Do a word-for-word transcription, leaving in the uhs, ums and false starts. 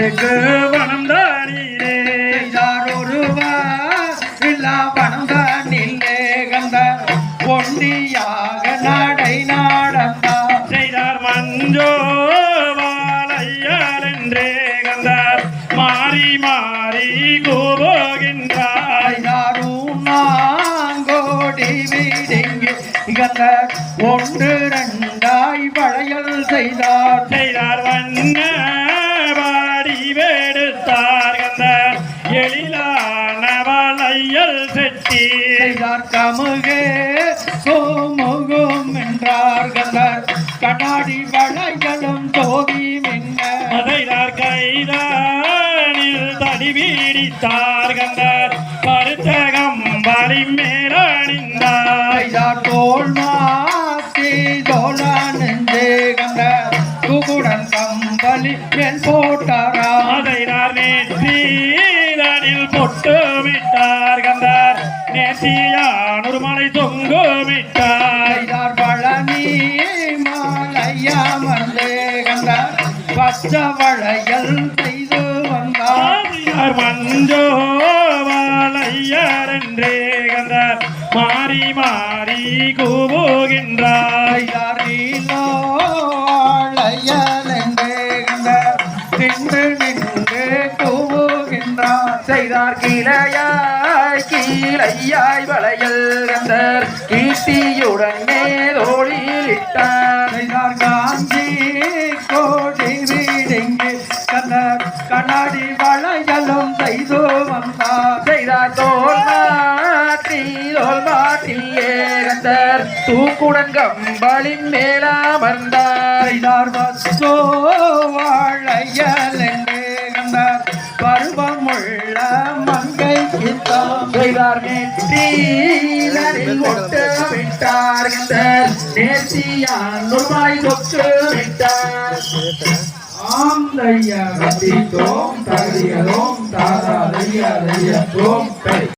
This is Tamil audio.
தேக்கு வனம் தானிலே ஒருவர் இல்லா வனம் தானிலே கந்தார் ஒண்டியாக நடை நாடந்தார் செய்தார் மஞ்சோ வாழையால் என்றே கந்தார் மாறி மாறி கூபோகின்றார் நாங்கோடி வீடெங்கு கந்தார் ஒன்று ரெண்டாய் வளையல் செய்தார் செய்தார் வண்ண வாடி வேடுத்தார் கந்தார் எழிலான வளையல் செட்டி செய்தார் கமுகே சோமுகும் என்றார் கந்தார் கண்ணாடி வளைகளும் தோகி மின்ன செய்தார் கைதானில் தடி வீடித்தார் கந்தார் கருத்தகம் வலி மேலணிந்தார் செய்தார் தோல் மாத்தி தோலா நெஞ்சே கந்தார் குகுடன் கம்பளி மேல் போட்டாரா செய்தார் நேற்றியில் பொட்டுமிட்டார் கந்தார் நேற்றியானொரு மலை தொங்குமிட்டார் செய்தார் பழனி மாலையாமர்ந்தே கந்தார் பச்ச வளையல் செய்து வந்தார் மஞ்சோ வாழையார் என்றே கந்தார் மாறி மாறி கூவுகின்றார் செய்தார் நீலோ வாழையல் என்றே கந்தார் நின்று நின்று கூவுகின்றார் செய்தார் கீழையாய் கீழையாய் வளையல் கந்தார் கீர்த்தியுடன் மேலோடியில் இட்டார் செய்தார் காஞ்சி கோடி வீடெங்கு கந்தார் கண்ணாடி வளையலும் செய்து வந்தார் செய்தார் தோல் மாட்டி தோல் மாட்டியே கந்தார் தூக்குடன் கம்பளின் மேலாமர்ந்தார் செய்தார் வசோ வாழையல் என்றே கந்தார் பருவமுள்ள மங்கை கித்தாம் செய்தார் நெற்றியில் ஒட்டு விட்டார் கந்தார் நேர்த்தியான் நுண்மாய் தொட்டு விட்டார் ஆம் தையா கட்டித்தோம் தகுதியதோம் தாதா தையா தையத்தோம்